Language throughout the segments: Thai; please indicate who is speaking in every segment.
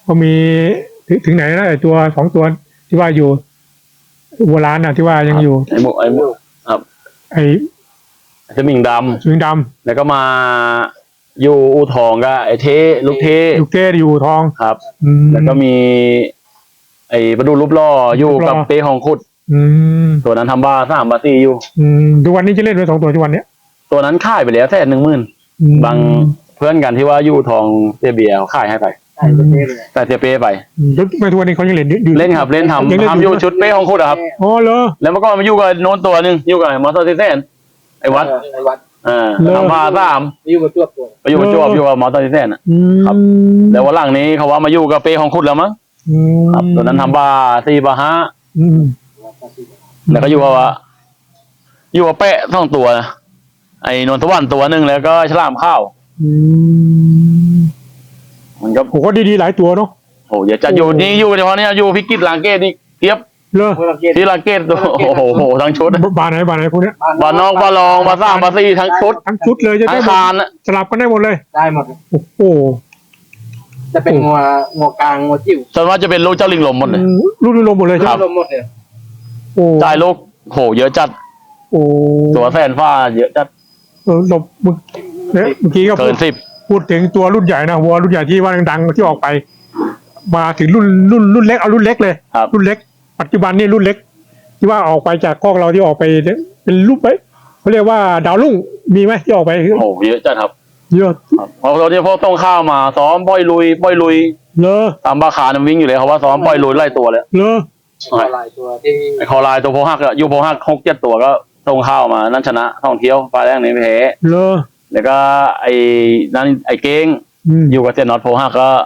Speaker 1: ก็มีถึงไหนนะไอตัว2 ตัวที่ว่าอยู่โบราณน่ะที่ว่ายังอยู่
Speaker 2: ไอ้หมูครับ
Speaker 1: ไอ
Speaker 2: สมิงดำแล้วก็มาอยู่อู่ทองก็ไอ้ลูกเท
Speaker 1: อยู่ทอง
Speaker 2: ครับแล้วก็มีไอ้ประดูรูปล่ออยู่กับเป้ของขุดตัวนั้นทำบา3 บา 4อยู่
Speaker 1: ทุกวันนี้จะเล่นไป2 ตัวทุกวันเนี้ย
Speaker 2: ตัวนั้นขายไปแล้ว110,000บางเพื่อนกันที่ว่าอยู่ทองเบียร์ขายให้ไปแต่เป้ไป
Speaker 1: แล้วไปทุกวันนี้เขายังเล่นอยู่
Speaker 2: เล่นครับเล่นทำอยู่ชุดเป้ของขุดครับ
Speaker 1: อ๋อเหรอ
Speaker 2: แล้วมันก็มาอยู่กับโน้นตัวนึงอยู่กับมอเตอร์ไซค์ไอ้วัดทำบา3
Speaker 3: อยู่มาจวบ
Speaker 2: อยู่กับมอเตอร์ไซค์ครับแล้ววันหลังนี้เขาว่ามาอยู่กับเป้ของขุดแล้วมั้งครับตัวนั้นทำบา4 บา 5แล้วก็อยู่กับเป้2 ตัวนะไอ้นนทวันตัวนึงแล้วก็ฉลามข้าวมันก็
Speaker 1: โอ้โหดีหลายตัวเนาะ
Speaker 2: โอ้ยจะอยู่นี่อยู่เฉพาะนี้อยู่พิกิตลางเกตนี่เทียบ
Speaker 1: เลย
Speaker 2: ที่ลางเกตตัวโอ้โหทั้งชุด
Speaker 1: บานไหนพวกนี้
Speaker 2: บานนอกบานรองบาน3 บาน 4ทั้งชุด
Speaker 1: เลยจะได้
Speaker 2: คาน
Speaker 1: สลับกันได้หมดเลย
Speaker 3: ได้หมด
Speaker 1: โอ้โห
Speaker 3: จะเป็นงัวกลางงัวจิ๋ว
Speaker 2: ส่วนมากจะเป็นลูกเจ้าลิงลมหมดเลย
Speaker 1: ลูกลิงลมหมดเลย
Speaker 2: ครับ
Speaker 3: ลมหมดเลย
Speaker 1: โอ้
Speaker 2: จ่ายลูกโหเยอะจัด
Speaker 1: โอ้
Speaker 2: ตัวแสนฟ้าเยอะจัด
Speaker 1: หลบเมื่อกี้ก็
Speaker 2: เกิน10
Speaker 1: พูดถึงตัวรุ่นใหญ่นะวัวรุ่นใหญ่ที่ว่าดังๆที่ออกไปมาถึงรุ่นเล็กเอารุ่นเล็กเลยรุ่นเล็กปัจจุบันนี่รุ่นเล็กที่ว่าออกไปจากคอกเราที่ออกไปเป็นรูปไปเขาเรียกว่าดาวรุ่งมีไหมที่ออกไป
Speaker 2: โอ้เยอะจัดครับ
Speaker 1: เยอะ
Speaker 2: เพราะเราเนี่ยพวกต้องข้าวมาซ้อมปล่อยลุย
Speaker 1: เลย
Speaker 2: ตามบาคามันวิ่งอยู่เลยเขาว่าซ้อมปล่อยลุยไล่ตัวเลย
Speaker 1: เลย
Speaker 3: คอลายตัวที่
Speaker 2: ไอ้คอลายตัวโพหักอะอยู่โพหัก6-7 ตัวก็ต้องข้าวมานั่นชนะท่องเที่ยวปลาแรกนี้ไม่แพ้
Speaker 1: เลย
Speaker 2: แล้วก็ไอ้นั่นไอ้เก้งอยู่กับเจนน็อตโพหักก็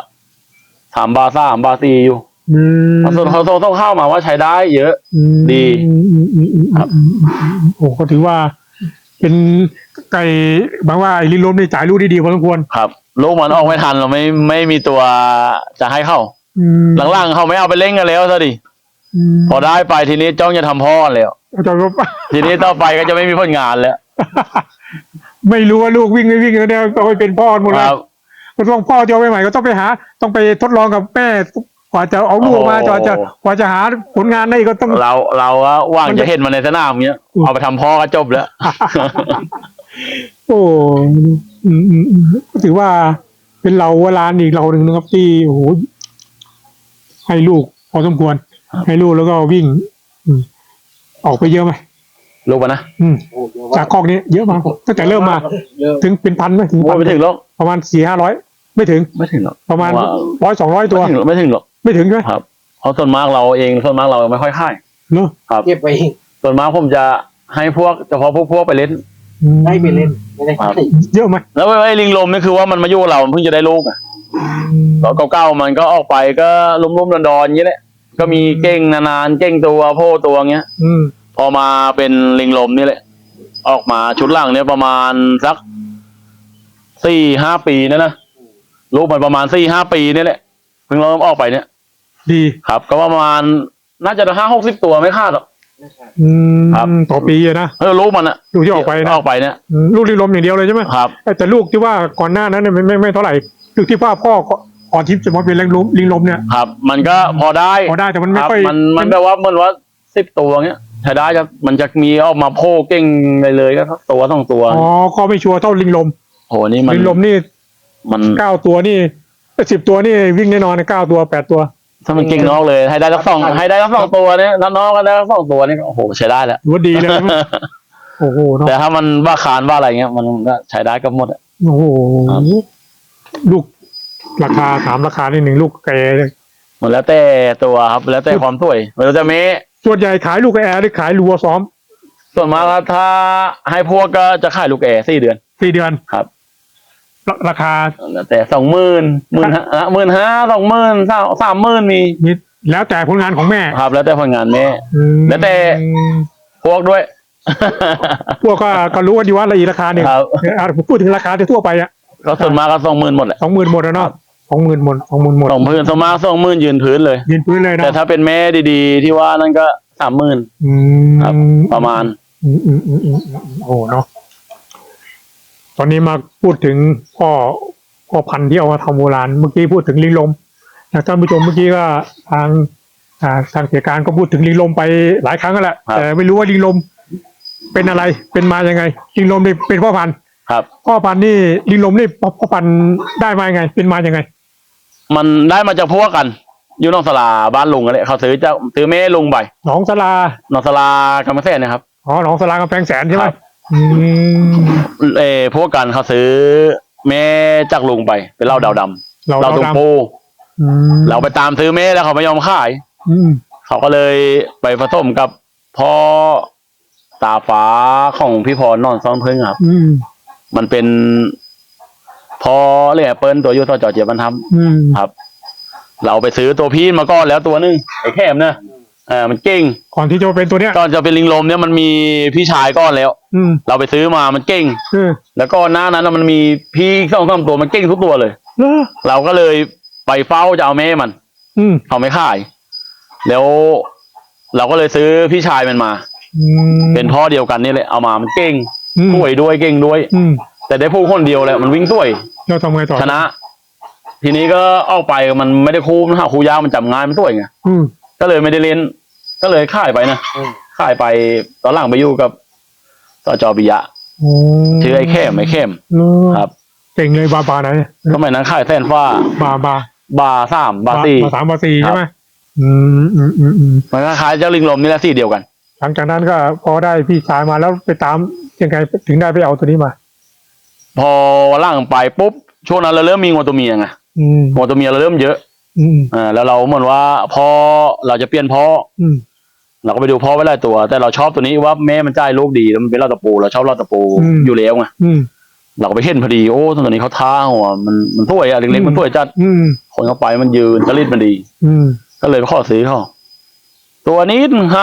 Speaker 2: 3 บา 3 บา 4อยู่ส่วนเขาต้องเข้ามาว่าใช้ได้เยอะดี
Speaker 1: ครับโอ้ก็ถือว่าเป็นไก่บางว่าไอ้ลิลมนี่จ่ายลูกได้ดีพอสมควร
Speaker 2: ครับลูกมันออกไม่ทันเราไม่มีตัวจะให้เข้าหลังๆเขาไม่เอาไปเล่นกันแล้วซะดิพอได้ไปทีนี้จ้องจะทำพ่อแล้วทีนี้ต่อไปก็จะไม่มีผลงานแล้ว
Speaker 1: ไม่รู้ว่าลูกวิ่งไม่วิ่งแล้วเนี่ยต้องไปเป็นพ่อหมดแล้วก็ต้องพ่อจะเอาไปใหม่ก็ต้องไปหาต้องไปทดลองกับแม่กว่าจะเอาลูกมากว่าจะหาผลงานได้ก็ต้อง
Speaker 2: เราว่างจะเห็นมันในสนามเนี้ยเอาไปทำพ่อก็จบแล้ว
Speaker 1: โอ้ถือว่าเป็นเราเวลาอีกเราหนึ่งนะครับที่โอ้โหให้ลูกพอสมควรให้ลูกแล้วก็วิ่งออกไปเยอะไหม
Speaker 2: ลูกปะนะ
Speaker 1: จากคอกนี้เยอะมากตั้งแต่เริ่มมาถึงเป็นพันไหมถึง
Speaker 2: ไม่ถึงหรอก
Speaker 1: ประมาณ400-500ไม่ถึง
Speaker 2: หรอก
Speaker 1: ประมาณ100-200 ตัว
Speaker 2: ไม่ถึงหรอก
Speaker 1: ไม่ถึงใช่ไหม
Speaker 2: ครับเพราะส่วนมากเราไม่ค่อยค่าย
Speaker 1: เนอะ
Speaker 2: ครับ
Speaker 3: เก็บไป
Speaker 2: ส่วนมากผมจะให้เฉพาะพวกไปเล่น
Speaker 3: ได้ไปเล่นไม่ได้
Speaker 1: เยอะไหม
Speaker 2: แล้วไอ้ลิงลมนี่คือว่ามันมาอยู่เราเพิ่งจะได้ลูกอ่ะแล้วเก่าๆมันก็ออกไปก็ลุ่มๆดอนๆอย่างนี้แหละก็มีเก่งนานๆเก่งตัวโพตัวเงี้ยพอมาเป็นลิงลมนี่แหละออกมาชุดหลังเนี่ยประมาณสัก4-5 ปีนะลูกมันประมาณ4-5 ปีนี่แหละเพิ่งเริ่มออกไปเนี่ย
Speaker 1: ดี
Speaker 2: ครับก็ประมาณน่าจะ50-60 ตัวไม่คาดหรอก
Speaker 1: ครับต่อปีนะ
Speaker 2: ลูกมันอะ
Speaker 1: ลูกที่ออกไป
Speaker 2: เนี่ย
Speaker 1: ลูกลิงลมอย่างเดียวเลยใช่ไหม
Speaker 2: ครับ
Speaker 1: แต่ลูกที่ว่าก่อนหน้านั้นเนี่ยไม่เท่าไหร่ลูกที่ว่าพ่อก่อนที่จะมาเป็นลิงลมเนี่ย
Speaker 2: ครับมันก็พอได้
Speaker 1: แต่มันไม่ค่อย
Speaker 2: มันแปลว่ามันว่า10 ตัวเงี้ยใช้ได้จะมันจะมีออกมาโผล่เก่งเลยก็ตัว2 ตัว
Speaker 1: อ๋อก็ไม่ชัวร์เท่าลิงลม
Speaker 2: โหนี่มัน
Speaker 1: ลิงลมนี่มัน9 ตัวนี่10 ตัวนี่วิ่งแน่นอน9 ตัว8 ตัว
Speaker 2: ถ้ามันเก่งนอกเลยให้ได้สัก2ตัวเนี่ยน้องก็ได้สัก2 ตัวนี่โอ้โหใช้ได้แล้ว
Speaker 1: ว่าดีเลยโอ้โห
Speaker 2: แต่ถ้ามันว่าคานว่าอะไรเงี้ยมันก็ใช้ได้ก็หมด
Speaker 1: โอ้โหลูกราคาถามราคานิดหนึ่งลูกแกเลย
Speaker 2: มันแล้วแต่ตัวครับแล้วแต่ความสวยเราจะมี
Speaker 1: ส่วนใหญ่ขายลูกแอร์หรือขายรัวซ้อม
Speaker 2: ส่วนมากถ้าให้พวกก็จะขายลูกแอร์4 เดือนครับ
Speaker 1: ราคา
Speaker 2: แต่20,000 15,000 20,000 30,000มี
Speaker 1: แล้วแต่ผลงานของแม่
Speaker 2: ครับแล้วแต่ผลงานแม่แล้วแต่พวกด้วย
Speaker 1: พวกก็รู้ว่าดีว่าอะไรอีกราคาหนึ่งพูดถึงราคาทั่วไปอ่ะ
Speaker 2: ก็ส่วนมากก็20,000หมดแหละ
Speaker 1: 20,000หมดแล้วเนาะ20,000หมด20,000
Speaker 2: ส่วนมาก20,000ยืนพื้นเลย
Speaker 1: นะ
Speaker 2: แต่ถ้าเป็นแม่ดีๆที่ว่านั่นก็30,000ครับประมาณ
Speaker 1: โอ้เนาะตอนนี้มาพูดถึงพ่อพันธุ์ที่เอามาทำโบราณเมื่อกี้พูดถึงลิงลมท่านผู้ชมเมื่อกี้ก็ทางทางเสียการก็พูดถึงลิงลมไปหลายครั้งแล้วแหละแต่ไม่รู้ว่าลิงลมเป็นอะไรเป็นมายังไงลิงลมนี่เป็นพ่อพันธุ์
Speaker 2: ครับ
Speaker 1: พ่อพันธุ์นี่ลิงลมนี่พ่อพันธุ์ได้มายังไง เป็นมายังไง
Speaker 2: มันได้มาจากพวกกัน อยู่นอกสลาบ้านลุงกันเลยเขาซื้อแม่ลุงไป
Speaker 1: หนองสลาน
Speaker 2: อกสลากำแพงแสนนะครับ
Speaker 1: อ๋อหนองสลากำแพงแสนใช่ไหม
Speaker 2: ครับ
Speaker 1: อืม
Speaker 2: พวกกันเขาซื้อแม่จากลุงไปเป็นเหล้าดาวดำ
Speaker 1: เรา
Speaker 2: เหล้าตุง
Speaker 1: ดำ
Speaker 2: ปู
Speaker 1: อืม
Speaker 2: เราไปตามซื้อแม่แล้วเขาไม่ยอมขาย
Speaker 1: อืม
Speaker 2: เขาก็เลยไปผสมกับพ่อตาฟ้าของพี่พรนอนซ้อนพึ่งครับ
Speaker 1: อืม
Speaker 2: มันเป็นพอเลยแอปเปิลตัวยูทอจอเจียบันท
Speaker 1: อืม
Speaker 2: ำครับ เราไปซื้อตัวพี่มาก่อนแล้วตัวนึงไอ้แคมนะมันเก่ง
Speaker 1: ก่อนที่จะมาเป็นตัวเนี้ย
Speaker 2: ก่อนจะเป็นลิงลมเนี่ยมันมีพี่ชายก้อนแล้ว
Speaker 1: อืม
Speaker 2: เราไปซื้อมามันเก่ง แล้วก็หน้านั้นมันมีพี่สองสามตัวมันเก่งทุกตัวเลย
Speaker 1: เออ
Speaker 2: เราก็เลยไปเฝ้าจะเอาแม่มัน
Speaker 1: อืม
Speaker 2: เขาไม่ขาย แล้วเราก็เลยซื้อพี่ชายมันมา
Speaker 1: อืม
Speaker 2: เป็นพ่อเดียวกันนี่แหละเอามามันเก่ง
Speaker 1: อืม
Speaker 2: สวยด้วยเก่งด้วย
Speaker 1: อืม
Speaker 2: แต่ได้ผู้คนเดียวแหละมันวิ่งสวย
Speaker 1: เราทำไงต่อ
Speaker 2: ชนะ ทีนี้ก็ออกไปมันไม่ได้คู่นะคู่ยาวมันจับงานมันสวยไง
Speaker 1: อืม
Speaker 2: ก็เลยไม่ได้เล่น ก็เลยขายไปนะ
Speaker 3: อืม
Speaker 2: ขายไปตอนหลังไปอยู่กับสจปิยะ
Speaker 1: โอ้
Speaker 2: ชื่อไอ้เข้มครับ
Speaker 1: เก่งเลยบาไหน
Speaker 2: สมัยนั้นขายแสนฟ้า
Speaker 1: บา
Speaker 2: บาสามบาสี่
Speaker 1: บาสามบาสี่
Speaker 2: ครับ
Speaker 1: ใช่ไหมอืมอืมอืมอืม
Speaker 2: มันก็ขายเจ้าลิงลมนี่แหละสี่เดียวกัน
Speaker 1: หลังจากนั้นก็พอได้พี่ชายมาแล้วไปตามยังไงถึงได้ไปเอาตัวนี้มา
Speaker 2: พอวันหลังไปปุ๊บช่วงนั้นเราเริ่มมีงัวตัวเมียไง
Speaker 1: อืม
Speaker 2: งัวตัวเมียเราเริ่มเยอะ
Speaker 1: อืม
Speaker 2: แล้วเราเหมือนว่าพอเราจะเปลี่ยนพ่อ
Speaker 1: อืม
Speaker 2: เราก็ไปดูพ่อไว้หลายตัว แต่เราชอบตัวนี้ว่าแม่มันจ่ายลูกดีแล้วมันเป็นเหล้าตะปูเราชอบเหล้าตะปูอยู่แล้วไง
Speaker 1: อืม
Speaker 2: เราก็ไปเห็นพอดีโอ้ตัวนี้เขาท้าหัวมันสวยอะเล็กๆมันสวยจัด
Speaker 1: อืม
Speaker 2: คนเข้าไปมันยืนจริตมันดี
Speaker 1: อืม
Speaker 2: ก็เลยไปขอซื้อเขาตัวนี้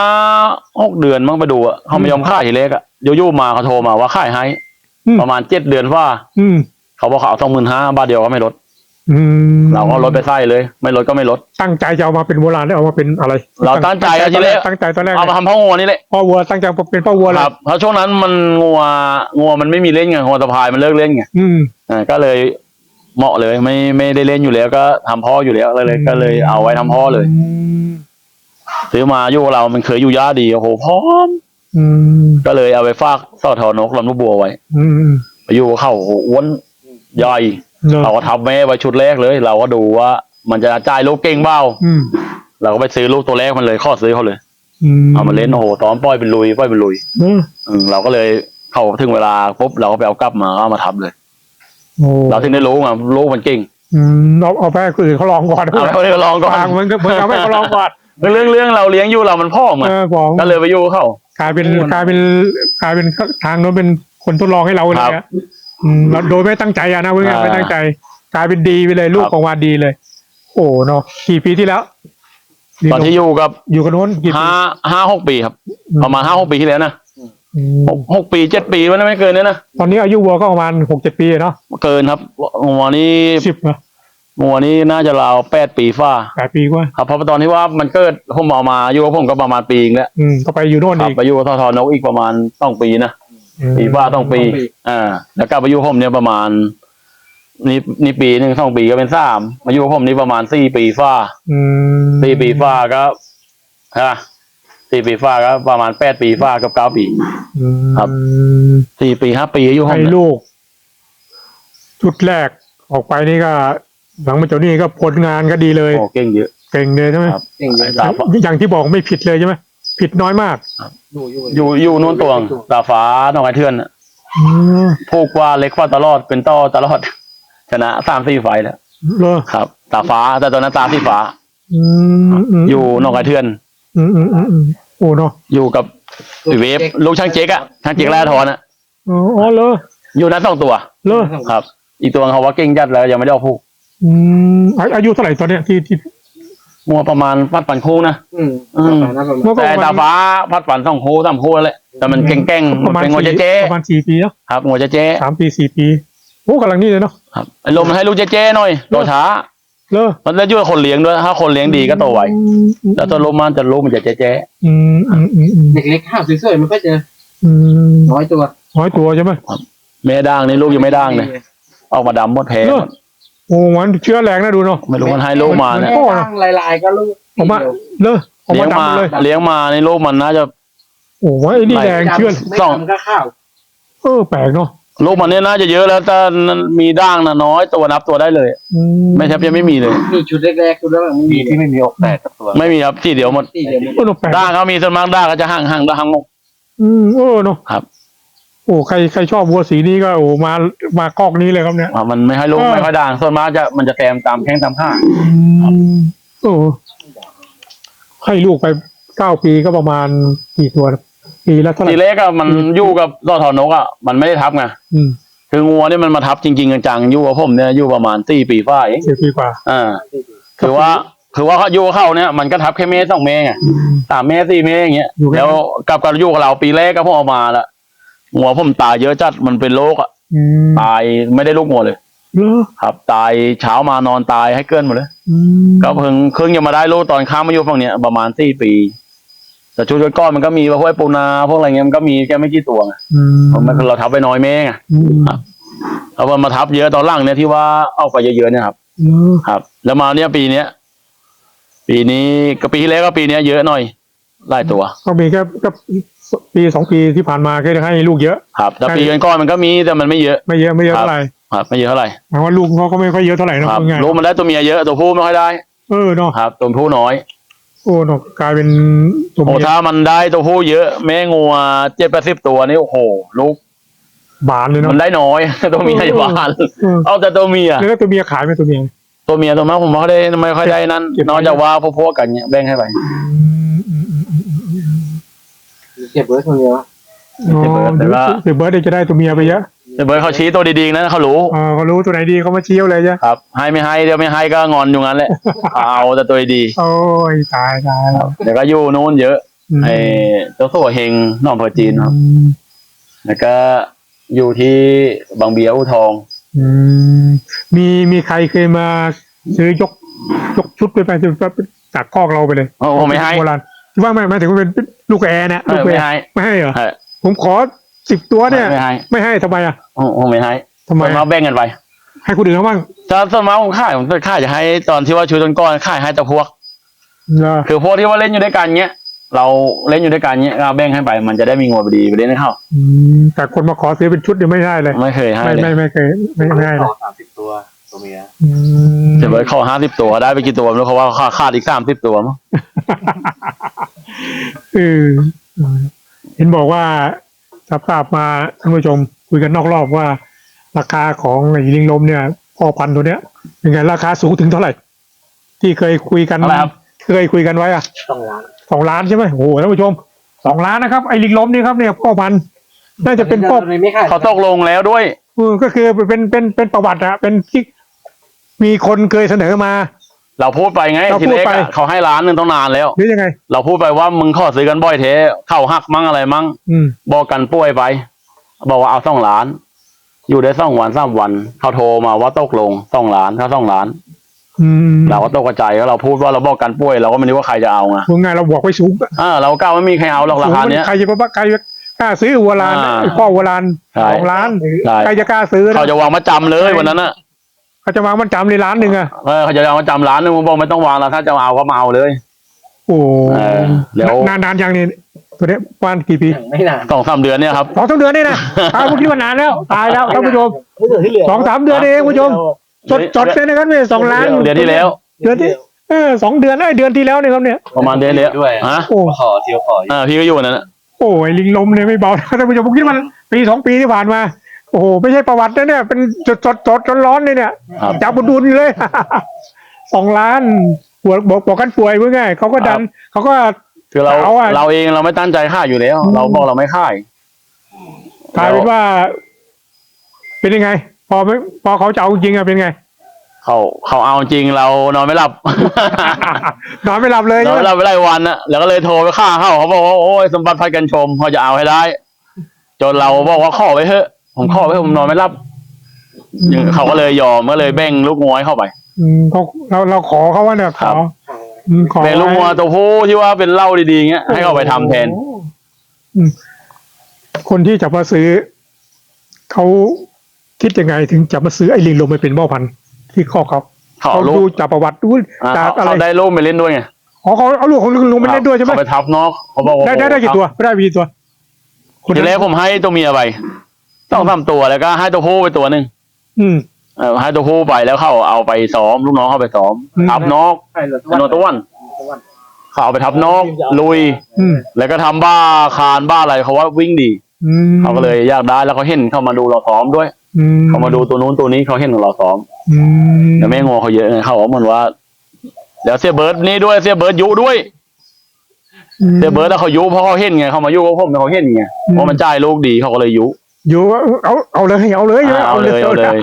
Speaker 2: 5-6 เดือนมั้งไปดูอะเขาไม่ยอมขายทีเล็กอะยู่ๆมาเขาโทรมาว่าขายให้ ประมาณ7 เดือนว่า
Speaker 1: อืม
Speaker 2: เขาบอกเขาเอา25,000 บาทเดียวก็ไม่ลด
Speaker 1: อืม
Speaker 2: เราก็ลดไปไส้เลย ไม่ลดก็ไม่ลด
Speaker 1: ตั้งใจจะเอามาเป็นโบราณได้เอามาเป็นอะไร
Speaker 2: เราตั้งใจเอาทีแรก
Speaker 1: ตั้งใจตอนแรก
Speaker 2: เอามาทำพ่องัวนี่แหละ
Speaker 1: พ่อวัวตั้งใจเป็นพ่อวัว
Speaker 2: ค
Speaker 1: เลย
Speaker 2: รับเพราะช่วงนั้นมันงัวมันไม่มีเล่นไงงัวตะพายมันเลิกเล่นไง
Speaker 1: อืม
Speaker 2: ก็เลยเหมาะเลยไม่ได้เล่นอยู่แล้วก็ทำพ่ออยู่แล้วก็เลยเอาไว้ทำพ่อเลย ซื้อมาอยู่กับเรามันเคยอยู่ย่าดีโอ้โหพร้อม
Speaker 1: อืม
Speaker 2: ก็เลยเอาไปฝากสอทอนกลำลูกบัวไว้
Speaker 1: อืม
Speaker 2: ไปอยู่กับเขาโอ้โหอ้วนใหญ่
Speaker 1: เนอะ
Speaker 2: เราก็ทับแม่ไว้ชุดแรกเลย เราก็ดูว่ามันจะจ่ายลูกเก่งเปล่า
Speaker 1: อืม
Speaker 2: เราก็ไปซื้อลูกตัวแรกมันเลยข้อซื้อเขาเลย
Speaker 1: อืม
Speaker 2: เอามาเล่นโอ้โหตอนปล่อยเป็นลุย
Speaker 1: เนอะ
Speaker 2: เราก็เลยเข้าถึงเวลาปุ๊บเราก็ไปเอากลับมาเอามาทับเลย
Speaker 1: โอ้
Speaker 2: เราถึงได้รู้ไงลูกมันเก่ง
Speaker 1: เอาไปให้คนอื่นเขาลองก่อน
Speaker 2: เอาไปลองก่อน
Speaker 1: ทางมันก็เหมือนเอาไปให้เขาลองก่อน
Speaker 2: เรื่องเราเลี้ยงอยู่เรามันพ่อไง
Speaker 1: ของ
Speaker 2: ก็เลยไปอยู่กับเขา
Speaker 1: กลายเป็นทางโน้นเป็นคนทดลองให้เราเลย
Speaker 2: ครั
Speaker 1: อะ
Speaker 2: บ
Speaker 1: เราโดยไม่ตั้งใจอะนะเพื่อน
Speaker 2: อ่า
Speaker 1: ไม่ตั้งใจ กลายเป็นดีไปเลยลูก
Speaker 2: ครับ
Speaker 1: ออกมาดีเลย โอ้เนาะกี่ปีที่แล้ว
Speaker 2: ตอนที่อยู่กับ
Speaker 1: อยู่กันโน้นกี่ปี
Speaker 2: 5-6 ปีครับ ประมาณ5-6 ปีที่แล้วนะ
Speaker 1: อืม
Speaker 2: 6 ปี 7 ปีมันไม่เกินเนี่ยนะ
Speaker 1: ตอนนี้อายุวัวก็ประมาณ6-7 ปีเนาะ
Speaker 2: เกินครับงัวนี้
Speaker 1: 10เนาะ
Speaker 2: งัวนี้น่าจะราว8 ปีฝ้า
Speaker 1: 8 ปีกว่า
Speaker 2: ครับเพราะตอนที่ว่ามันเกิดผมเอามาอยู่กับผมก็ประมาณปีนึงแล้ว
Speaker 1: ก็ไปอยู่โน่น
Speaker 2: ครั
Speaker 1: อี
Speaker 2: บ
Speaker 1: ก
Speaker 2: ไปอยู่กับทนกอีกประมาณ2 ปีนะปีฝ้า2 ปีแล้วกลับไปอยู่กับผมเนี่ยประมาณนี่ปีหนึ่ง2 ปีก็เป็น3มาอยู่กับผมนี่ประมาณ4 ปีฝ้า
Speaker 1: อืม
Speaker 2: 4 ปีฝ้าก็4 ปีฝ้าก็ประมาณ8 ปีฝ้ากับ9 ปี ครับ 4 ปี5 ปีอยู่ห้อง
Speaker 1: ให้
Speaker 2: เนี่ย
Speaker 1: ลูก ชุดแรกออกไปนี่ก็ หลังมาจากนี้ก็ผลงานก็ดีเลย
Speaker 2: โอ้เก่งเยอะ
Speaker 1: เก่งเลยใช่ไหม
Speaker 2: ครับ
Speaker 3: เก่งเลย
Speaker 2: ตาฟ้า
Speaker 1: อย่างที่บอกไม่ผิดเลยใช่ไหมผิดน้อยมาก
Speaker 2: อยู่นู่นตวงตาฟ้าน้องไอเทือนน่ะ
Speaker 1: อืม
Speaker 2: พูกว่าเล็กว่าตลอดเป็นต่อตลอด ชนะ3-4 ไฟล์แล้ว
Speaker 1: เหรอ
Speaker 2: ครับ ตาฟ้าแต่ตอนนั้นตาที่ฟ้า
Speaker 1: อืม
Speaker 2: อยู่น้องไอเทือน
Speaker 1: โอ้เนาะ
Speaker 2: อยู่กับเวฟลูกช่างเจ๊กอะช่างเจ๊กแร่ทอนอะ
Speaker 1: อ๋อเหรอ
Speaker 2: อยู่นั้น2 ตัว
Speaker 1: เหรอ
Speaker 2: ครับ อีกตัวเขาว่าเก่งจัดแล้วยังไม่ได้เอาพูก
Speaker 1: อืมอายุเท่าไหร่ตอนเนี้ยที่
Speaker 2: มัวประมาณปันคู่นะ
Speaker 1: เมื่อก่อน
Speaker 2: แต่ตาฟ้าปัน2 คู่3 คู่แหละแต่มันเก่งๆ
Speaker 1: ป
Speaker 2: มัน
Speaker 1: ระมาณ
Speaker 2: เป็นงัวเจ๊
Speaker 1: ประมาณ4 ปีเนาะ
Speaker 2: ครับงัวเจ๊
Speaker 1: 3 ปี 4 ปีโอ้กำลังนี่เลยเนาะ
Speaker 2: ครับไอ้ลมมันให้ลูกเจ๊หน่อยโตช้า
Speaker 1: เหรอ
Speaker 2: มันแล้วอยู่กับคนเลี้ยงด้วยถ้าคนเลี้ยงดีก็โตไวแล้วตัวลมมันจะลูกมันจะเจ๊
Speaker 3: เด็กเล็กข้าวสวยๆมันก็จะน้อยตัว
Speaker 1: น้อยตัวใช่ไหม
Speaker 2: แม่ด่างนี่ลูกยังไม่ด่างเลยออกมาดำหมดแผล
Speaker 1: เหรอโอ้มันเชื้อแรงนะดูเนาะ
Speaker 2: ไม่รู้มันให้ลูกมาเนี่ย
Speaker 3: แม่ตั้งลายๆก็ลูก
Speaker 1: ออกมาเลยออก
Speaker 2: เลี้
Speaker 1: มาย
Speaker 2: งมา
Speaker 1: ดำเลย
Speaker 2: เลี้ยงมาในลูกมันน่าจะ
Speaker 1: โอ้ไอ้นี่แรงเชื้อ
Speaker 3: ไม่ทำก็ข้าว
Speaker 1: แปลกเนาะ
Speaker 2: ลูกมันเนี่ยน่าจะเยอะแล้วแต่มีด่างนะน้อยตัวนับตัวได้เลย ไม่แทบจะไม่มีเลย
Speaker 3: มีชุดแรกๆชุดแรกไม่มีที่ไม่มีอกแตกกับตัว
Speaker 2: ไม่มีครับที่เดียวหมด
Speaker 3: ที่เดียวหมด
Speaker 1: แปลก
Speaker 2: ด่างเขามีส่วนมากด่างก็จะห่างด่างงก
Speaker 1: เนาะ
Speaker 2: ครับ
Speaker 1: โอ้ใครชอบวัวสีนี้ก็โอ้มากอกนี้เลยครับเนี่ย
Speaker 2: มันไม่ให้ลูกไม่ค่อยด่างส่วนมากมันจะแตมตามแข้งตามข้าง
Speaker 1: โอ้ให้ลูกไป9 ปีก็ประมาณกี่ตัวปีละเท่าไหร่
Speaker 2: ทีเล็กอะมันอยู่กับต่อถอนนกอะมันไม่ได้ทับไง คืองัวเนี่ยมันมาทับจริงๆจังๆอยู่กับผมเนี่ยอยู่ประมาณ4 ปีฝ่าย
Speaker 1: 4 ปีกว่า
Speaker 2: คือว่าเขาอยู่กับเขาเนี่ยมันก็ทับแค่เมตร2 เมตรไง3 เมตร4 เมตรอย่างเงี้ยแล้วกับอยู่กับเราปีแรกก็พอออกมาละงัวผมตายเยอะจัดมันเป็นโรคอะตายไม่ได้ลูกงัวเลยครับตายเช้ามานอนตายให้เกินหมดเลยก็เพิ่งจะมาได้ลูกตอนข้ามมาอยู่ฝั่งเนี้ยประมาณ4 ปีแต่ชุดก้อนมันก็มีพวกปูนาพวกอะไรเงี้ยมันก็มีแค่ไม่กี่ตัวไงเราทับไปน้อยเมตรไงเอามาทับเยอะตอนหลังเนี่ยที่ว่าเอาไปเยอะๆเนี่ยครับแล้วมาเนี่ยปีนี้ก็ปีที่แล้วก็ปีนี้เยอะหน่อยหลายตัว
Speaker 1: ก็มีแค่ปี 2 ปีที่ผ่านมาก็ได้ให้ลูกเยอะ
Speaker 2: ครับแต่ปีก่อนมันก็มีแต่มันไม่เยอะ
Speaker 1: ไม่เยอะเท่าไหร่
Speaker 2: ครับไม่เยอะเท่าไหร่
Speaker 1: หมายว่าลูกเขาก็ไม่ค่อยเยอะเท่าไหร่นะ
Speaker 2: ลูกมันได้ตัวเมียเยอะตัวผู้ไม่ค่อยได้
Speaker 1: เนาะ
Speaker 2: ครับตัวผู้น้อย
Speaker 1: เนาะกลายเป็น
Speaker 2: ตัวเมียถ้ามันได้ตัวผู้เยอะแม่งัว70-80 ตัวนี่โอ้โหลูก
Speaker 1: บานเลยเนาะ
Speaker 2: มันได้น้อยตัวเมียบานเอาแต่ตัวเมีย
Speaker 1: แล้วตัวเมียขายไหมตัวเมีย
Speaker 2: ตัวมากผมไม่ค่อยได้นั่นนอกจากว่าพวกกันเนี่ยแบ่งให้ไป
Speaker 3: เก็บเบิร์ดคนเดียว
Speaker 1: เก็บเบิร์ดจะได้ตัวเมียไปเยอะ
Speaker 2: เบิร์ดเขาชี้ตัวดีๆนะเขารู้
Speaker 1: ตัวไหนดีเขามาชี้เลยใช่
Speaker 2: ครับให้ไม่ให้เดี๋ยวไม่ให้ก็งอนอยู่งั้นแหละเอาแต่ตัวดี
Speaker 1: โอ้ยตาย
Speaker 2: เดี๋ยวก็อยู่นู้นเยอะไอ้เจ้าสัวเฮงน้องเพอจีนครับแล้วก็อยู่ที่บางเบียอู่ทอง
Speaker 1: มีใครเคยมาซื้อยกชุดไปจากคอกเราไปเลย
Speaker 2: ผมไม่ให้
Speaker 1: โบราณที่ว่าไม่ถึงว่าเป็นลูกแอร์เนี่ยลูกแอร์ไม่ให้เหรอผมขอ10 ตัวเนี่ยไม่ให้ทำไมอ่ะ
Speaker 2: ผมไม่ให้
Speaker 1: ทำไม
Speaker 2: มาแบ่งกันไป
Speaker 1: ให้คนอื่นเขาบ้าง
Speaker 2: จะส่วนมากผมค่ายจะให้ตอนที่ว่าชูต้นก้อนค่ายให้แต่พวกคือพวกที่ว่าเล่นอยู่ด้วยกันเงี้ยเราเล่นอยู่ด้วยกันเงี้ยเราแบ่งให้ไปมันจะได้มีงัวดีไปเล่นให้เข้า
Speaker 1: แต่คนมาขอซื้อเป็นชุดเนี่ยไม่ได้เลย
Speaker 2: ไม่เคยให้
Speaker 1: ไม่เคยไม่ให้เลย
Speaker 3: 30 ตัวเมีย
Speaker 2: จะไปขอ50 ตัวได้ไปกี่ตัวแล้วเขาว่าขาดอีก30 ตัวมั้ง
Speaker 1: เห็นบอกว่าทราบมาท่านผู้ชมคุยกันนอกรอบว่าราคาของไอ้ลิงลมเนี่ยพ่อพันธุ์ตัวเนี้ยเป็นไงราคาสูงถึงเท่าไหร่ที่เคยคุยกันไว้อะ2 ล้านใช่ไหมโอ้โหท่านผู้ชม2 ล้านนะครับไอ้ลิงลมนี่ครับเนี่ยพ่อพันธุ์น่าจะเป็นพ่อ
Speaker 2: เขาตกลงแล้วด้วย
Speaker 1: ก็คือเป็นประวัติอะเป็นที่มีคนเคยเสนอมา
Speaker 2: เราพูดไปไงทีเล็กเขาให้1 ล้านต้องนานแล้ว
Speaker 1: หรือยังไง
Speaker 2: เราพูดไปว่ามึงขอซื้อกันบ่อยเทเข้าหักมั่งอะไรมั่งบอกกันป่วยไปบอกว่าเอา2 ล้านอยู่ได้2 วัน3 วันเขาโทรมาว่าตกลง2 ล้านเขา2 ล้านเราก็ตกใจแล้วเราพูดว่าเราบอกกันป่วยเราก็ไม่รู้ว่าใครจะเอาไง
Speaker 1: ว่าไงเราบอกไว้สูง
Speaker 2: เราก้าวไม่มีใครเอาหรอกราคาเนี้ย
Speaker 1: ใครจะกล้าซื้อวัวลานพ่อวัวลาน2 ล้านใครจะกล้าซื้อ
Speaker 2: เขาจะวางมาจำเลยวันนั้นน่ะ
Speaker 1: เขาจะวางมันจำเลย1 ล้านอ่ะ
Speaker 2: เขาจะวางมาจำ1 ล้านผมบอกไม่ต้องวางแล้วถ้าจะเอาก็มาเอาเลย
Speaker 1: โอ้เดี๋ยวนานยังนี่ตัวนี้ประมาณกี่ปี
Speaker 3: ไม่นาน
Speaker 2: 2-3 เดือนเนี่ยครับ
Speaker 1: 2-3 เดือนนี่นะเมื่อกี้ว่านานแล้วตายแล้วท่านผู้ชม2-3 เดือนเองผู้ชมจดเลยนะครับเนี่ย2 ล้าน
Speaker 2: เดือนที่แล้ว
Speaker 1: 2 เดือนเดือนที่แล้วเนี่ยครับเนี่ย
Speaker 2: ประมาณเดือนแล้ว
Speaker 3: ฮะขอเที่ยวขอ
Speaker 2: พี่ก็อยู่นั่นแหละ
Speaker 1: โอ้ยลิงลมเนี่ยไม่เบาท่านผู้ชมผมคิดมันปี2 ปีที่ผ่านมาโอ้โหไม่ใช่ประวัตินะเนี่ยเป็นจดร้อนเลยเนี่ยจับดุลเลย2 ล้านบอกกันป่วยเมื่อไงเขาก็ดันเขาก็
Speaker 2: คือเราเองเราไม่ตั้งใจฆ่าอยู่แล้วเราบอกเราไม่ฆ่าก
Speaker 1: ลายเป็นว่าเป็นยังไงพอเขาจะเอาจริงอะเป็นไง
Speaker 2: เขาเอาจริงเรานอนไม่หลับ
Speaker 1: นอนไม่หลับเลย
Speaker 2: นอนไม่หลับไปหลายวันนะแล้วก็เลยโทรไปฆ่าเขาบอกว่าโอ้ยสมบัติพัดกันชมเขาจะเอาให้ได้จนเราบอกว่าขอไว้เถอะผมขอไว้ผมนอนไม่หลับเขาก็เลยยอมก็เลยแบ่งลูกงัวเข้าไป
Speaker 1: เราขอเขาว่าเนี่ยขอ
Speaker 2: แบ่งลูกงัวตัวผู้ที่ว่าเป็นเหล้าดีๆเงี้ยให้เขาไปทำแทน
Speaker 1: คนที่จะมาซื้อเขาคิดยังไงถึงจะมาซื้อไอ้ลิงลมไปเป็นพ่อพันธุ์ที่ข้อเขา
Speaker 2: เขา
Speaker 1: เขา
Speaker 2: ลู
Speaker 1: ดู
Speaker 2: ก
Speaker 1: จากประวัติดูจากอะไร
Speaker 2: เขาได้ลูกไปเล่นด้วยไง
Speaker 1: อ๋อเขาเอาลูกของลุงไปเล่นด้วยใช่ไหม
Speaker 2: เขาไปทับนอกเขาบอกว่า
Speaker 1: ได้กี่ตัวไม่ได้กี่ตัว
Speaker 2: ทีแรกผมให้ตัวเมียไปต้องทำตัวแล้วก็ให้ตัวผู้ไปตัวหนึ่ง
Speaker 1: อืม
Speaker 2: ให้ตัวผู้ไปแล้วเขาเอาไปซ้อมลูกน้องเขาไปซ้อม
Speaker 1: อืม
Speaker 2: ทับนอก
Speaker 3: ใช่เลย
Speaker 2: เป็นโนตะวันเขาเอาไปทับนอกลุย
Speaker 1: อืม
Speaker 2: แล้วก็ทำบ้าคานบ้าอะไรเขาว่าวิ่งดี
Speaker 1: อืม
Speaker 2: เขาก็เลยอยากได้แล้วเขาเห็นเขามาดูเราซ้อมด้วย
Speaker 1: อืม
Speaker 2: เขามาดูตัวนู้นตัวนี้เขาเห็นเราซ้อม
Speaker 1: อืม
Speaker 2: แต่แม่งอเขาเยอะไงเขาบอกเหมือนว่าแล้วเสียเบิร์ดนี่ด้วยเสียเบิร์ดยุด้วยเสียเบิร์ดแล้วเขายุเพราะเขาเห็นไงเขามายุกับผมเขาเห็นไงว่ามันจ่ายลูกดีเขาก็เลยยุ
Speaker 1: อยู่เอาเลยเอาเลย
Speaker 2: เอาเลย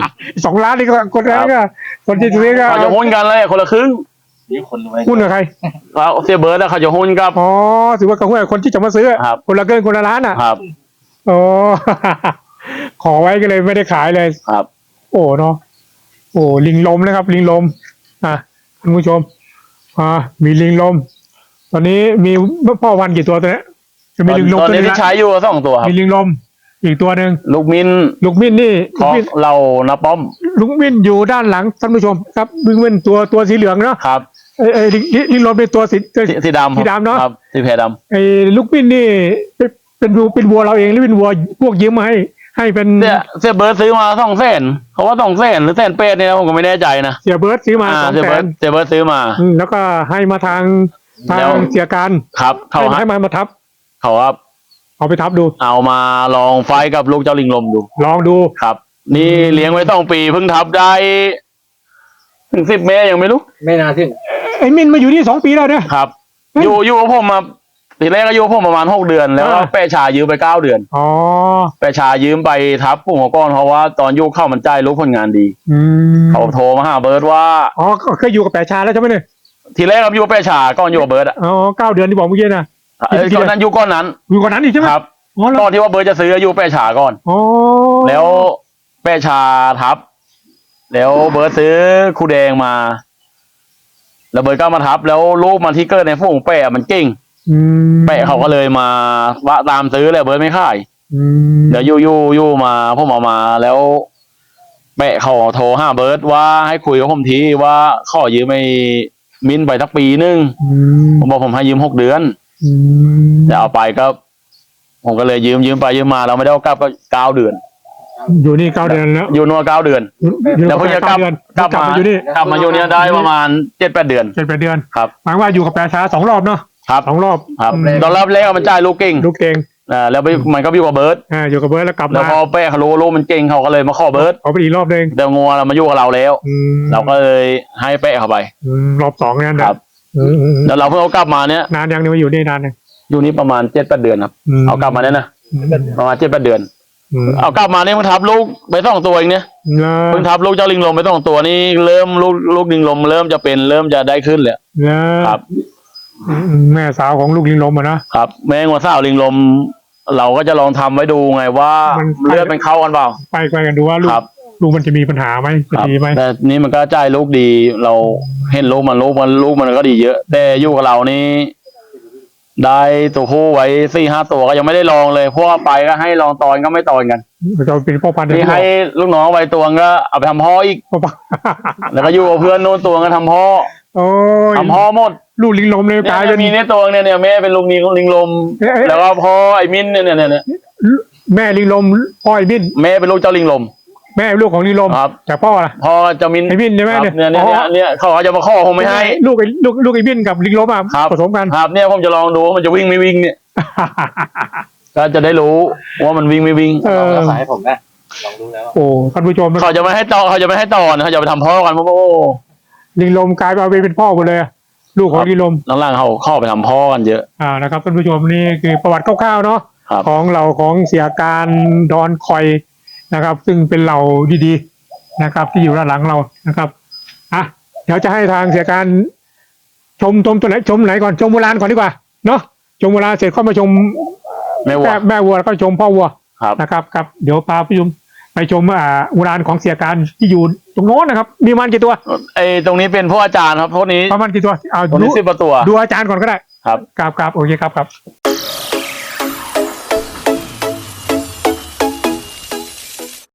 Speaker 1: 2 ล้านนี่ก็คนนั้นก็คนที่ซื้อก็
Speaker 2: เขาจะหุ้นกันเลยคนละครึ่ง
Speaker 3: นี่คนรวย
Speaker 1: หุ้นกับใคร
Speaker 2: แล้วเสียเบิร์ดแล้วเขาจะหุ้นกับ
Speaker 1: อ๋อถือว่ากับหุ้นคนที่จะมาซื้อ
Speaker 2: ครับ
Speaker 1: คนละเกินคนละล้านอ่ะ
Speaker 2: ครับ
Speaker 1: อ๋อ ขอไว้ก็เลยไม่ได้ขายเลย
Speaker 2: ครับ
Speaker 1: โอ้เนาะโอ้ลิงลมนะครับ ลิงลมคุณผู้ชมมีลิงลม ตอนนี้มีพ่อวันกี่ตัวตัวเนี้ยจะมีลิงลม
Speaker 2: ตอน
Speaker 1: ตัว
Speaker 2: นี้
Speaker 1: นึง
Speaker 2: ที่
Speaker 1: ละ
Speaker 2: ใช้อยู่2 ตัวครับ
Speaker 1: มีลิงลมอีกตัวหนึ่ง
Speaker 2: ลูกมิน
Speaker 1: ลูกมิ้นนี่
Speaker 2: ข
Speaker 1: ลู
Speaker 2: อก ง
Speaker 1: มิ้น
Speaker 2: เรานะป้อม
Speaker 1: ลูกมิ้นอยู่ด้านหลังท่านผู้ชมครับลูกมิ้นตัวสีเหลืองเนาะ
Speaker 2: ครับ
Speaker 1: ลิงลมเป็นตัวสี
Speaker 2: สีดำ
Speaker 1: สีดำเนอะ
Speaker 2: ครับสีแพรด
Speaker 1: ไอ้ลูกมิ้นนี่เป็นวัวเราเองหรือเป็นวัวพวกยืมมาให้เป็น
Speaker 2: ำเสียเบิร์ดซื้อมา200,000เขาว่า200,000หรือ100,000เนี่ยนะผมก็ไม่แน่ใจนะ
Speaker 1: เสียเบิร์ดซื้อมา200,000
Speaker 2: เสียเบิร์ดซื้อมา
Speaker 1: แล้วก็ให้มาทาง
Speaker 2: แล้ว
Speaker 1: เสียการ
Speaker 2: ครับเขา
Speaker 1: ให้มาทับ
Speaker 2: เขาว่า
Speaker 1: เอาไปทับดู
Speaker 2: เอามาลองไฟท์กับลูกเจ้าลิงลมดู
Speaker 1: ลองดู
Speaker 2: ครับ นี่เลี้ยงไว้2 ปีเพิ่งทับได้ถึง10 เมตรยังไม่รู้
Speaker 3: ไม่น่าถึง
Speaker 1: ไอ้มินมาอยู่นี่2 ปีแล้วเนี่ย
Speaker 2: ครับ
Speaker 1: เฮ้ย
Speaker 2: อยู่กับผมมาทีแรกก็อยู่กับผมประมาณ6 เดือน แล้วก็
Speaker 1: อ่า
Speaker 2: แปะชายืมไป9 เดือน
Speaker 1: อ๋อ
Speaker 2: แปะชายืมไปทับปุ่งหัวก้อนเพราะว่าตอนยุคเข้ามันจ่ายรู้ผลงานดี
Speaker 1: อืม
Speaker 2: เขาโทรมาหาเบิร์ดว่า
Speaker 1: อ๋อเคยอยู่กับแปะชาแล้วใช่ไหมเนี่ย
Speaker 2: ทีแรกครับอยู่กับแปะชาก่อนอยู่กับเบิร์ดอ่ะ
Speaker 1: อ๋อ9 เดือนที่บอกเมื่อกี้นะ
Speaker 2: ตอนนั้นยุคก้อนนั้น
Speaker 1: อยู่กว่านั้นอีกใช่ไหม
Speaker 2: ครับ
Speaker 1: อ๋อแล้ว
Speaker 2: ตอนที่ว่าเบิร์ดจะซื้ออยู่แปะชาก่อน
Speaker 1: อ๋อ
Speaker 2: แล้วแปะชาทับ แล้วเบิร์ดซื้อคูแดงมา แล้วเบิร์ดก็มาทับ แล้วลูกมันที่เกิดในฝูงแปะมันเก่ง
Speaker 1: อืม
Speaker 2: แปะเขาก็เลยมาว่าตามซื้อเลยเบิร์ดไม่ขาย
Speaker 1: อืม
Speaker 2: เดี๋ยวยู่มาผมเอามาแล้วแปะเขาโทรหาเบิร์ดว่าให้คุยกับผมทีว่าขอยืมไอ้มิ้นไปสักปีนึง
Speaker 1: อืม
Speaker 2: ผมบอกผมให้ยืม6 เดือน
Speaker 1: อืม
Speaker 2: จะเอาไปก็ ผมก็เลยยืมไปยืมมาเราไม่ได้เอากลับก็9 เดือน
Speaker 1: อยู่นี่9 เดือนแล้ว
Speaker 2: อยู่นัว9 เดือน
Speaker 1: อยู่
Speaker 2: แล้วเพิ่งจะกลับ
Speaker 1: 9 เดือน
Speaker 2: กลับมา
Speaker 1: อยู่นี่
Speaker 2: กลับมาอยู่เนี่ยได้ประมาณ7-8 เดือน
Speaker 1: 7-8 เดือน
Speaker 2: ครับ
Speaker 1: หมายว่าอยู่กับแปะชา2 รอบเนาะ
Speaker 2: ครับ
Speaker 1: 2 รอบ
Speaker 2: ครับ
Speaker 1: อืม
Speaker 2: ตอนรับแรกมันจ่ายลูกเก่ง
Speaker 1: ลูกเก่ง
Speaker 2: แล้วไปมันก็อยู่กับเบิร์ด
Speaker 1: อยู่กับเบิร์ดแล้วกลับ
Speaker 2: แล้ว
Speaker 1: มา
Speaker 2: พอแปะเขารู้ลูกมันเก่งเขาก็เลยมาขอเบิร์ด
Speaker 1: เอาไปอีกรอบหนึง
Speaker 2: เดี๋ยวงัวเรามาอยู่กับเราแล้ว
Speaker 1: อืม
Speaker 2: เราก็เลยให้แปะเข้าไป
Speaker 1: รอบ2นั่น
Speaker 2: ครับ
Speaker 1: นะ
Speaker 2: แล้วเราเพิ่งเอากลับมาเนี่ย
Speaker 1: นานยังเนี่ยมาอยู่นี่นานยัง
Speaker 2: อยู่นี่ประมาณ7-8 เดือนครับ เอากลับมาเนี่ยนะประมาณ7-8 เดือน เอากลับมาเนี่ยเพิ่งทับลูกไป2 ตัวเองเนี่ยเพิ่งทับลูกเจ้าลิงลมไป2 ตัวนี่เริ่มลูกลิงลมเริ่มจะได้ขึ้นแล้วครับ
Speaker 1: แม่สาวของลูกลิงลมอะนะครับ
Speaker 2: แม่งัวสาวลิงลม เราก็จะลองทำไว้ดูไงว่า
Speaker 1: มัน
Speaker 2: เลือดมันเข้ากันเปล่า
Speaker 1: ไปกันดูว่าลูก
Speaker 2: ครับ
Speaker 1: ลูกมันจะมีปัญหาไหมจะ
Speaker 2: ครับ
Speaker 1: ดีไหม
Speaker 2: แต่นี่มันก็จ่ายลูกดี เราเห็นลูกมันก็ดีเยอะ แต่อยู่กับเรานี่ได้ตัวผู้ไว้4-5 ตัวก็ยังไม่ได้ลองเลยเพราะว่าไปก็ให้ลองตอนก็ไม่ตอนกัน
Speaker 1: เราเป็นพ่อพันธุ์
Speaker 2: ที่ให้ลูกน้องไว้ตัวก็เอาไปทำพ่ออีก
Speaker 1: พ่อพันธุ์
Speaker 2: แล้วก็อยู่กับเพื่อนโน้นตัวก็ทำพ่อ
Speaker 1: โอ้ย
Speaker 2: ทำพ่อหมด
Speaker 1: ลูกลิงลมเลย
Speaker 2: เนี่ย
Speaker 1: กลายเป็น
Speaker 2: มีเนี่ยตัวเนี่ยแม่เป็นลุงลิงลม แล้วก็พ่อไอ้มิ้นเนี่ย
Speaker 1: แม่ลิงลมพ่อไอ้บิน
Speaker 2: แม่เป็นลูกเจ้าลิงลม
Speaker 1: แม่ลูกของลิงลม
Speaker 2: ครับ
Speaker 1: แต่พ่อล่ะ
Speaker 2: พ่อเจ้ามิ้น
Speaker 1: ไอ้มิ้นใช่ไหม
Speaker 2: ครับ
Speaker 1: เนี่ย
Speaker 2: เนี่ยเขาจะมาข้อผมไม่ให้
Speaker 1: ลูกไอ้บินกับลิงลมอ่ะ
Speaker 2: ครับ
Speaker 1: ผสมกัน
Speaker 2: ครับเนี่ยผมจะลองดูว่ามันจะวิ่งไม่วิ่งเนี่ย ก็จะได้รู้ว่ามันวิ่งไม่วิ่ง
Speaker 1: เออ
Speaker 3: รักษาให้ผมนะลองดูแล้ว
Speaker 1: โอ้ท่านผู้ชม
Speaker 2: เขาจะไม่ให้ต่อนะเขาจะไปทำพ่อกันเพราะว่า
Speaker 1: ลิงลมกลายมาเป็นพ่อหมดเลยอะลูกของลิงลม
Speaker 2: หลังๆเขาเข้าไปทำพ่อกันเยอะ
Speaker 1: นะครับท่านผู้ชมนี่คือประวัติคร่าวๆเนาะ
Speaker 2: ครับ
Speaker 1: ของเราของเสียการดอนคอยนะครับ ซึ่งเป็นเหล่าดีๆนะครับ ที่อยู่ด้านหลังเรานะครับเดี๋ยวจะให้ทางเสียการชมตัวไหนชมไหนก่อนชมโบราณก่อนดีกว่าเนาะชมโบราณเสร็จค่อยมาชม
Speaker 2: แม่วัว
Speaker 1: แม่วัวแล้วก็ชมพ่อวัว
Speaker 2: ครับ
Speaker 1: นะครับครับเดี๋ยวพาไปชมโบราณของเสียการที่อยู่ตรงโน้นนะครับ มีมันกี่ตัว
Speaker 2: ไอ้ตรงนี้เป็นพวกอาจารย์ครับพวกนี้
Speaker 1: ประมาณกี่ตัวเอา
Speaker 2: ตรง
Speaker 1: ดู
Speaker 2: นี้10 ตัว
Speaker 1: ดูอาจารย์ก่อนก็ได้
Speaker 2: ครับ
Speaker 1: ครับโอเคครับ